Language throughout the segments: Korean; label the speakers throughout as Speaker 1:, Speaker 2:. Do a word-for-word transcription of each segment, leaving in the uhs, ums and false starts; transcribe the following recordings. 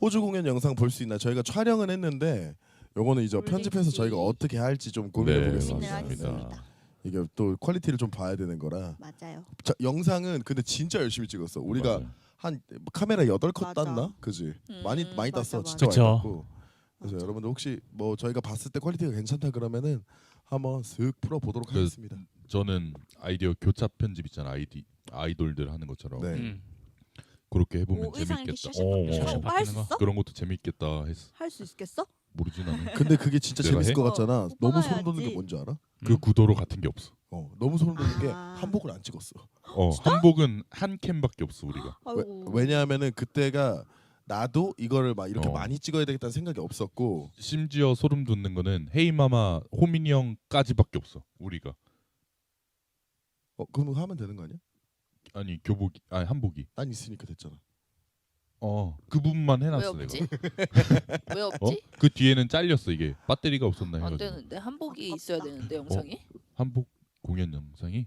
Speaker 1: 호주 공연 영상 볼 수 있나? 저희가 촬영은 했는데 요거는 이제 편집해서 저희가 어떻게 할지 좀 고민해
Speaker 2: 네,
Speaker 1: 보겠습니다.
Speaker 3: 하겠습니다.
Speaker 1: 이게 또 퀄리티를 좀 봐야 되는 거라.
Speaker 3: 맞아요.
Speaker 1: 자, 영상은 근데 진짜 열심히 찍었어. 우리가
Speaker 2: 맞아요.
Speaker 1: 한 카메라 여덟 컷
Speaker 3: 맞아.
Speaker 1: 땄나? 그지?
Speaker 3: 음,
Speaker 1: 많이 많이
Speaker 3: 맞아,
Speaker 1: 땄어.
Speaker 3: 맞아.
Speaker 1: 진짜
Speaker 4: 그쵸.
Speaker 1: 많이 땄고. 그래서
Speaker 3: 맞아.
Speaker 1: 여러분들 혹시 뭐 저희가 봤을 때 퀄리티가 괜찮다 그러면은 한번 슥 풀어 보도록
Speaker 2: 그-
Speaker 1: 하겠습니다.
Speaker 2: 저는 아이디어 교차 편집 있잖아. 아이디 아이돌들 하는 것처럼
Speaker 1: 네.
Speaker 4: 음.
Speaker 2: 그렇게 해보면
Speaker 3: 오, 의상 이렇게
Speaker 2: 재밌겠다.
Speaker 3: 샤샥
Speaker 2: 어,
Speaker 3: 바뀌는
Speaker 2: 어,
Speaker 3: 거
Speaker 2: 어.
Speaker 3: 할 수 있어?
Speaker 2: 그런 것도 재밌겠다 했어.
Speaker 3: 할 수 있겠어?
Speaker 2: 모르진 않아.
Speaker 1: 근데 그게 진짜
Speaker 2: 내가
Speaker 1: 재밌을
Speaker 2: 해?
Speaker 1: 것 같잖아.
Speaker 3: 어,
Speaker 1: 너무
Speaker 3: 오빠가
Speaker 1: 소름 돋는 게
Speaker 3: 해야지.
Speaker 1: 뭔지 알아?
Speaker 2: 그 구도로 같은 게 없어.
Speaker 1: 어, 너무 소름 돋는 게
Speaker 3: 아.
Speaker 1: 한복을 안 찍었어.
Speaker 2: 어, 한복은 한 캔밖에 없어 우리가.
Speaker 3: 아이고.
Speaker 1: 왜, 왜냐하면은 그때가 나도 이거를 막 이렇게
Speaker 2: 어.
Speaker 1: 많이 찍어야 되겠다는 생각이 없었고.
Speaker 2: 심지어 소름 돋는 거는 헤이마마 호민이 형까지밖에 없어 우리가.
Speaker 1: 어, 그럼 하면 되는 거 아니야?
Speaker 2: 아니 교복이 아니 한복이.
Speaker 1: 난 있으니까 됐잖아.
Speaker 2: 어, 그 부분만
Speaker 5: 왜
Speaker 2: 해놨어
Speaker 5: 없지?
Speaker 2: 내가.
Speaker 5: 왜
Speaker 2: 어?
Speaker 5: 없지?
Speaker 2: 그 뒤에는 잘렸어 이게. 배터리가 없었나
Speaker 5: 안
Speaker 2: 해가지고.
Speaker 5: 되는데 한복이 있어야 되는데 영상이.
Speaker 2: 한복 공연 영상이.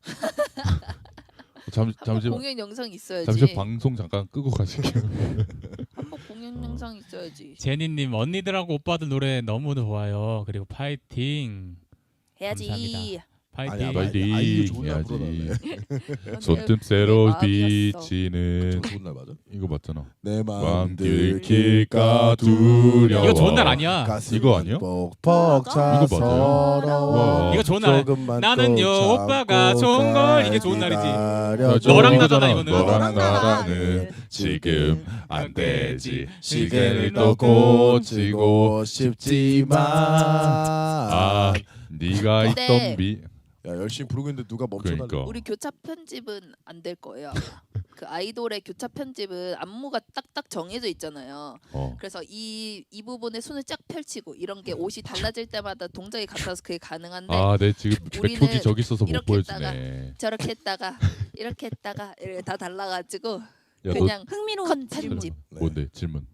Speaker 2: 잠 잠시
Speaker 5: 공연 영상 있어야지.
Speaker 2: 잠시 방송 잠깐 끄고 가실게요.
Speaker 5: 한복 공연
Speaker 2: 어.
Speaker 5: 영상 있어야지.
Speaker 4: 제니님 언니들하고 오빠들 노래 너무 좋아요. 그리고 파이팅.
Speaker 5: 해야지.
Speaker 4: 감사합니다. 파이팅.
Speaker 1: 아니야,
Speaker 2: 빨리
Speaker 1: 아이유 좋은 날
Speaker 2: 해야지.
Speaker 1: 불러달래.
Speaker 2: 손등새로
Speaker 5: 내 마음이었어.
Speaker 2: 비치는
Speaker 1: 저 좋은 날 맞아?
Speaker 2: 이거 맞잖아.
Speaker 1: 내 마음
Speaker 2: 마음
Speaker 1: 들킬까
Speaker 2: 들킬까
Speaker 1: 두려워.
Speaker 4: 이거 좋은 날 아니야.
Speaker 1: 가슴이
Speaker 2: 이거 아니야?
Speaker 1: 뻑뻑 차
Speaker 2: 이거 맞아요?
Speaker 1: 서러워.
Speaker 2: 와.
Speaker 4: 이거 좋은 날.
Speaker 1: 조금만
Speaker 4: 나는요,
Speaker 1: 꼭
Speaker 4: 오빠가
Speaker 1: 참고
Speaker 4: 좋은 걸 이게 좋은
Speaker 1: 날
Speaker 4: 날이지.
Speaker 1: 기다려줘.
Speaker 4: 너랑
Speaker 2: 이거잖아.
Speaker 4: 나잖아, 이거는.
Speaker 2: 너랑
Speaker 3: 나랑
Speaker 2: 나랑은 지금 안 되지.
Speaker 1: 시계를
Speaker 2: 시계를
Speaker 1: 또
Speaker 2: 또
Speaker 1: 고치고
Speaker 2: 고치고
Speaker 1: 싶지만
Speaker 2: 아, 네가
Speaker 5: 근데-
Speaker 2: 있던 비.
Speaker 1: 야 열심히 부르고 있는데 누가 멈춰달래.
Speaker 2: 그러니까.
Speaker 5: 우리 교차 편집은 안 될 거예요. 아마. 그 아이돌의 교차 편집은 안무가 딱딱 정해져 있잖아요.
Speaker 2: 어.
Speaker 5: 그래서 이, 이 부분에 손을 쫙 펼치고 이런 게 옷이 달라질 때마다 동작이 같아서 그게 가능한데
Speaker 2: 아, 내 지금
Speaker 5: 우리는
Speaker 2: 백표지 저기 있어서 못
Speaker 5: 이렇게
Speaker 2: 보여주네.
Speaker 5: 저렇게 했다가 이렇게 했다가 이렇게 다 달라가지고
Speaker 2: 야, 너
Speaker 5: 그냥
Speaker 3: 흥미로운
Speaker 5: 컷
Speaker 3: 질문.
Speaker 5: 편집.
Speaker 1: 네.
Speaker 2: 뭔데 질문?